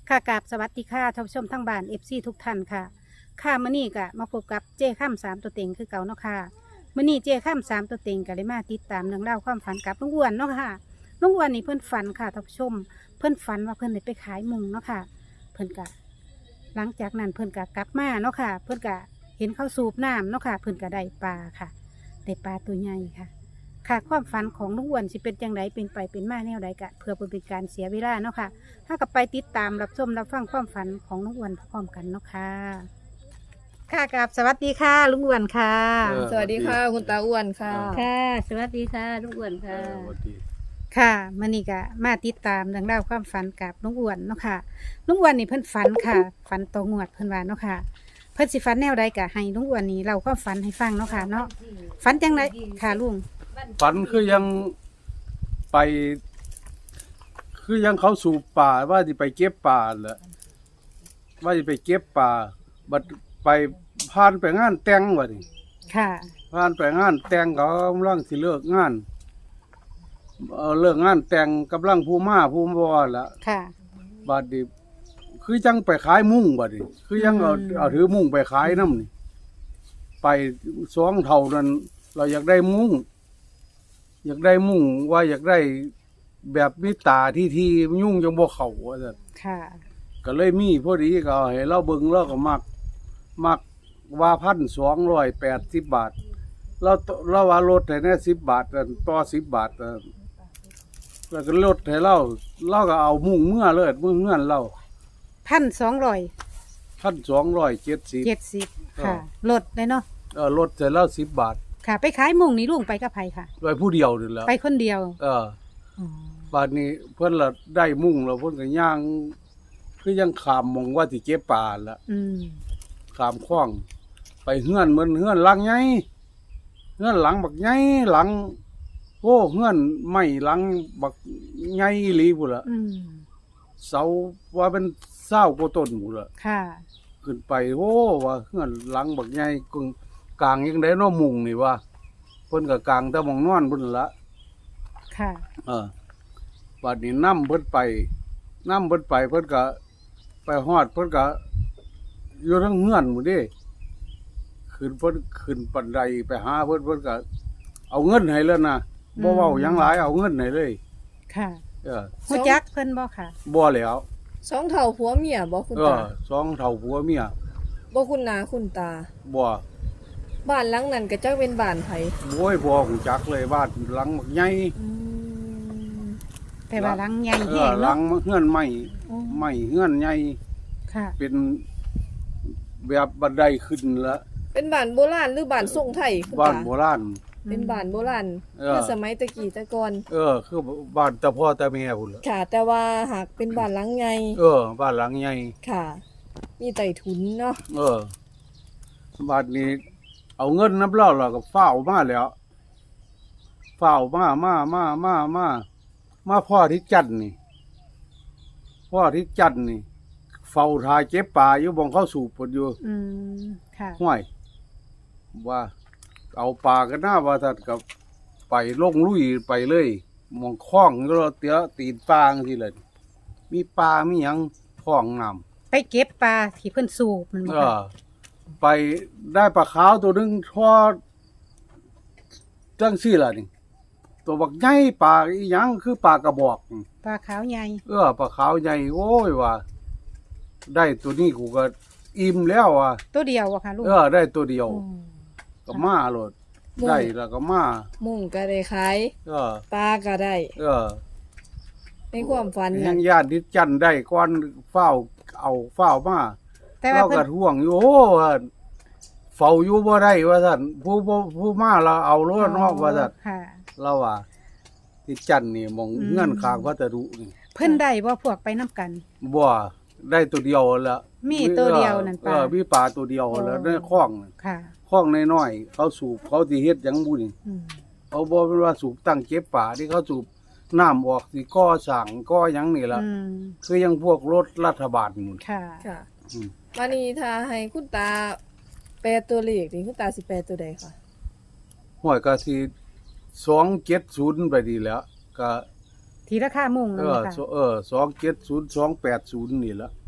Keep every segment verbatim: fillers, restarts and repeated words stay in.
ค่ะกราบสวัสดีค่ะท่านผู้ชมทั้งบ้านเอฟซีทุกท่านค่ะค่ะมื้อนี้ก็มาพบกับเจ้ข้ามสามตัวเต็งคือเก่าเนาะค่ะมื้อนี้เจ้ข้ามสามตัวเต็งก็เลยมาติดตามเรื่องเล่าวความฝันกับลุงอ้วนเนาะค่ะลุงอ้วนนี่เพิ่นฝันค่ะท่านผู้ชมเพิ่นฝันว่าเพิ่นได้ไปขายมุงเนาะค่ะเพิ่นกะหลังจากนั้นเพิ่นกะกลับมาเนาะค่ะ เพิ่นกะเห็นเขาสูบน้ำเนาะค่ะ เพิ่นกะได้ปลาค่ะได้ปลาตัวใหญ่ค่ะ ค่ะความฝันของลุงอ้วนสิเป็นจังไดเป็นไปเป็นมาแนวใดกะเพื่อบ่เป็นการเสียเวลาเนาะค่ะถ้ากับไปติดตามรับชมรับฟังความฝันของลุงอ้วนพร้อมกันเนาะค่ะค่ะกับสวัสดีค่ะลุงอ้วนค่ะเออสวัสดีค่ะคุณตาอ้วนค่ะค่ะ สวัสดีค่ะลุงอ้วนเอค่ะอสวัสดีค่ะมื้อนี้ก็มาติดตามเรื่องราวความฝันกับลุงอ้วนเนาะค่ะลุงอ้วนนี่เพิ่นฝันค่ะฝันต่องวดเพิ่นว่าเนาะค่ะเพิ่นสิฝันแนวใดก็ให้ลุงอ้วนนี่เล่าความฝันให้ฟังเนาะค่ะเนาะฝันจังไดค่ะลุงฝันคือยังไป คือยังเขาสู่ป่าว่าจะไปเก็บป่าแหละว่าจะไปเก็บป่าบัดไปผ่านไปงานแต่งวะนี่ค่ะผ่านไปงานแต่งเขากำลังสิเลิกงานเออเลิกงานแต่งกำลังผู้มาผู้บอละค่ะบัดนี้คือยังไปขายมุ้งบัดนี้คือยังเอาอืมเอาถือมุ้งไปขายน้ำนี่ไปสองเท่านั้นเราอยากได้มุ้งอยากได้มุ้งว่าอยากได้แบบมิตาที่ที่ยุ่งจังบ่เข้าว่าซั่นค่ะก็เลยมีพอดีก็เอาให้เราเบิ่งเราก็มักมักว่าพันสองร้อยแปดสิบบาทเราเราว่าลดให้แน่สิบบาทอันต่อสิบบาทอันแล้วก็ลดให้เราเราก็เอามุ้งเมื่อเลยเมื่อเงื่อนเราพันสองร้อยพันสองร้อยเจ็ดสิบเจ็ดสิบค่ะลดเลยเนาะเออลดให้เราสิบบาทค่ะ ไปขายมุงนี่ลุงไปกับไผค่ะโดยผู้เดียวนี่แหละไปคนเดียวเอออ๋อบาดนี้เพิ่นละได้มุ้งแล้วเพิ่นก็ย่างคือยังขามมองว่าสิเก็บปลาละอืมขามคลอง ไปเฮือนเหมือนเฮือนหลังใหญ่เฮือนหลังบักใหญ่หลังโอ้เฮือนไม้หลังบักใหญ่อีหลีพุ่นล่ะอืมเสาว่าเป็นเศร้ากว่าต้นพุ่นล่ะค่ะขึ้นไปโอ้ว่าเฮือนหลังบักใหญ่กึ่งกลางยังได้เนาะมุงนี่ว่าเพิ่นก็กลางแต่หมองนอนพุ่นละค่ะเออบัดนี้นํเพิ่นไปนํเพิ่นไปเพิ่นก็ไปฮอดเพิ่นก็อยู่ทั้งเฮือนหมดเด้ขึ้นเพิ่นขึ้นบันไดไปหาเพิ่นเพิ่นก็เอาเงินให้แล้วนะบ่เว้าหยังหลายเอาเงินให้เลยค่ะเออฮู้จักเพิ่นบ่ค่ะบ่แล้วสองเท่าผัวเมียบ่คุณเออตาสองเฒ่าผัวเมียบ่คุณนาคุณตาบ่บ้านหลังนั้นก็จักเป็นบ้านไผโว้ยบ่ฮู้จักเลยบ้านหลังบักใหญ่อืมแต่ว่าหลังใหญ่เอแห้อง หลัเนาะงเฮือนไม้อ๋อไม้เฮือนใหญ่ค่ะเป็นแบบบันไดขึ้นละเป็นบ้านโบราณหรือบ้านทรงไทยคุณบ้านตาโบราณเป็นบ้านโบราณเออคือสมัยตะกี้ตะก่อนเออ คือบ้านตาพ่อตาแม่พุ่นล่ะค่ะ แต่ว่าหากเป็นบ้านหลังใหญ่เออ บ้านหลังใหญ่ค่ะ มีไต้ถุนเนาะเออบ้านนี้ เอาเงินน้ำเล่าแล้วก็ฝ้าวมาแล้วฝ้าวมามามามามามาพ่อที่จันทน์นี่พ่อที่จันทน์นี่ เฝ้าทายเก็บปลาอยู่บ่งเข้าสู่ปดอยู่อืมค่ะห้วยว่า เอาปลากันหน้าว่าทัดกับไปลงลุยไปเลยหมองคล้องแล้วเตี้ยตีนปลาจังซี่แหละมีปลามีหยังคล้องน้ำไปเก็บปลาที่เพิ่นสูบมันบ่เอค่ะอไปได้ปลาขาวตัวหนึงทอดจังซี่ล่ะนี่ ตัวบักใหญ่ปลาอีหยังคือปลากระบอกนี่ปลาขาวใหญ่เออปลาขาวใหญ่โอ้ยว่า ได้ตัวนี้กูก็อิ่มแล้วอ่ะตัวเดียวอะค่ะลุงเออ ได้ตัวเดียวอ๋อก็มาโลดได้แล้วก็มามุงก็ได้ขายเออปลาก็ได้เออในความฝันยัน่ะงญาติที่จันได้ก่อนเฝ้าเอาเฝ้ามาแต่ว่าเราเพิ่ก็นท่วงอยู่โอ้ว่าเฝ้าอยู่บ่ได้ว่าซั่นผู้ผู้ผู้มาเราเอารถนอกว่าซั่นค่ะเราว่าที่จันนี่มองอืมเงื่อนข้างพระตรุนี่เพิ่นได้บ่พวกไปนํกันบ่ได้ตัวเดียวละมีตัวเดียวนั่นปลาเออมีปลาตัวเดียวแล้วอ๋อในคลองน่ะค่ะคลองน้อยๆเขาสูบเขาสิเฮ็ดหยังบุนี่อืมเขาบ่เป็นว่าสูบตั้งเก็บป่าที่เขาสูบน้ำออกสิก่อสร้างก่อหยังนี่ล่ะอืมคือยังพวกรถรัฐบาลหมุนค่ะค่ะอืมมานี่ถ้าให้คุณตาแปลตัวเลขนี่คุณตาสิแปลตัวใดคะห้วยก็สิสองเจ็ดศูนย์ไปดีแล้วก็ทีราคามุงเอนั่นอค่ะเออสองเจ็ดศูนย์ สองแปดศูนย์นี่ละ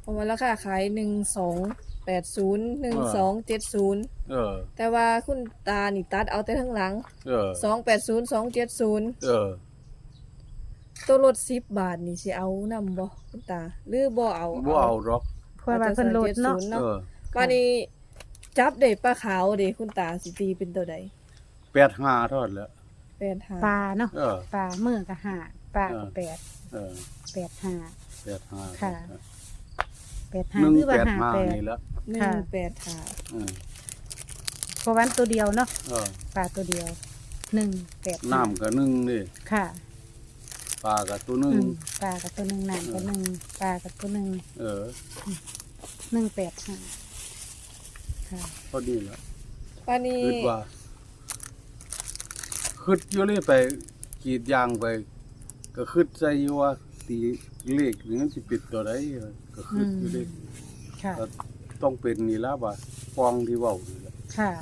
ราะว่าราคาขายหนึ่งสองแปดศูนย์หนึ่งสองเจ็ดศูนย์เออแต่ว่าคุณตานี่ตัดเอาแต่ทั้งหลังเออสองแปดศูนย์สองเจ็ดศูนย์เออตัวรถสิบบาทนี่สิเอานำบ่คุณตาหรือบ่เอาบ่เอาหรอกเพราะว่าเพิ่นโหลดเนาะเออวันนี้จับได้ปลาขาวเด้คุณตาสิตีเป็นตัวใดแปดห้าเท่านั้นแหละแปดห้าปลาเนาะเออปลามือก็ห้าปลาก็เออแปดเออแปดห้าแปดห้าค่ะ แปดห้าหนึ่งหรือว่าแปดห้าห้าแปดนี่แหละหนึ่ค่ะงแปดห้าเออเพราะวันตัวเดียวเนาะเออปลาตัวเดียวหนึ่งแปดห้าน้ำก็หนึ่งนี่ค่ะปลาก็ตัวหนึ่งอืมปลากับตัวหนึ่งน้ำกับหนึ่งปลากับตัวหนึ่งเออหนึ่งแปดห้าค่ะพอดีแล้ววันนี้คิดว่าคิดอยู่เลยไปกรีดยางไป ก็คิดใจอยู่ว่าตีเลขนี่มันสิปิดตัวใดก็คิดอยู่เลยค่ะก็ต้องเป็นนี่ละว่าฟองที่เว้านี่แหละค่ะ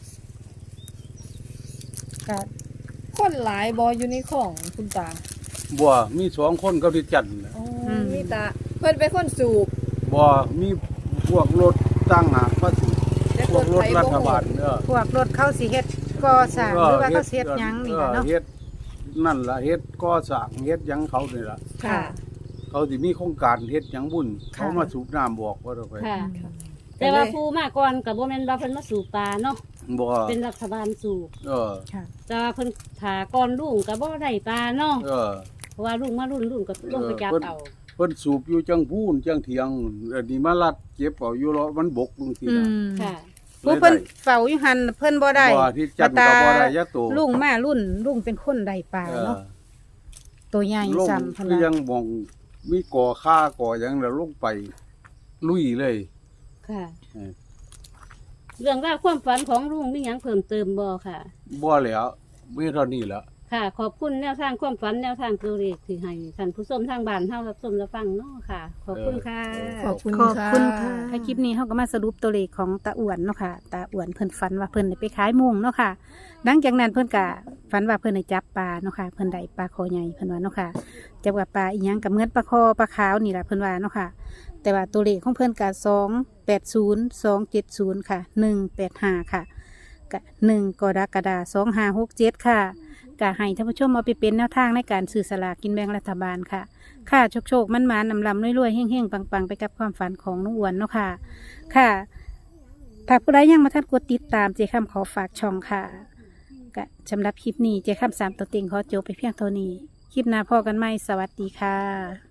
ก็คนหลายบ่อยู่ในของคุณตาบ่มีสองคนกับที่จันทน์น่ะอ๋อมีตาเพิ่นเป็นคนสูบบ่มีพวกรถตั้งหากภาษีแต่พวกรถไถรับ่ฐฮู้บาลเด้อพวกรถเข้าสิเฮ็ดก่อสร้างหรือว่าเขาสิเฮ็ดหยังนี่ล่ะเนาะเฮ็ดนั่นล่ะเฮ็ดก่อสร้างเฮ็ดหยังเขานี่ล่ะค่ะเขาสิมีโครงการเฮ็ดหยังบุญค่ะเขามาสูบน้ำบอกว่าเราไปค่ะค่ะแต่ว่าผู้มาก่อนกับโบแมนว่าเพิ่นมาสูบปลาเนาะบ่เป็นรัฐบาลสูบเออค่ะแต่ว่าเพิ่นถาก่อนลุงกับบ่ได้ปลาเนาะเออเพราะว่าลุงมารุ่นลุงก็ลงไปจับเอาเพิ่นสูบอยู่จังพูนจังเถียงอันนี้มาลัดเก็บเอาอยู่รอมันบกบางทีอืน่ะมค่ะผู้เพิ่นเฝ้าอยู่หันเพิ่นบ่ได้บ่ที่จันทน์ก็บ่ได้ยักโตลุงมารุ่นลุงเป็นคนได้ปลาเออเนาะตัวใหญ่ลงซ้ำเพิ่นคือยัว่างมองมีก่อค่าก่อหยังแล้วลงไป ลุยเลยค่ะเออเรื่องราวความฝันของลุงมีหยังเพิ่มเติมบ่ค่ะบ่แล้วมีเท่านี้แหละค่ะ ขอบคุณแนวทางความฝันแนวทางตัวเลขที่ให้ท่านผู้ชมทางบ้านเฮารับชมรับฟังเนาะค่ะ ขอบคุณค่ะขอบคุณขอบคุณค่ะค่ะถ้าคลิปนี้เฮาก็มาสรุปตัวเลขของตาอ้วนเนาะค่ะตาอ้วนเพิ่นฝันว่าเพิ่นได้ไปขายมุงเนาะค่ะหลังจากนั้นเพิ่นก็ฝันว่าเพิ่นได้จับปลาเนาะค่ะเพิ่นได้ปลาคอใหญ่เพิ่นว่าเนาะค่ะจับกับปลาอีหยังกับเหมือนปลาคอปลาขาวนี่ล่ะเพิ่นว่าเนาะค่ะ แต่ว่าตัวเลขของเพิ่นก็สองแปดศูนย์สองเจ็ดศูนย์ค่ะหนึ่งแปดห้าค่ะกะหนึ่งกรกฎาคมสองห้าหกเจ็ดค่ะกะให้ท่านผู้ชมเอาไปเป็นแนวทางในการซื้อสลากกินแบ่งรัฐบาลค่ะ ค่ะโชคโชคมันมานำลำรวยๆเฮ่งๆ ปังๆ ไปกับความฝันของน้องอ้วนเนาะค่ะ ค่ะถ้าผู้ใดยังมาทันกดติดตามเจคำขอฝากช่องค่ะกะสำหรับคลิปนี้เจคำสามตัวเต็งขอจบไปเพียงเท่านี้ คลิปหน้าพอกันไหมสวัสดีค่ะ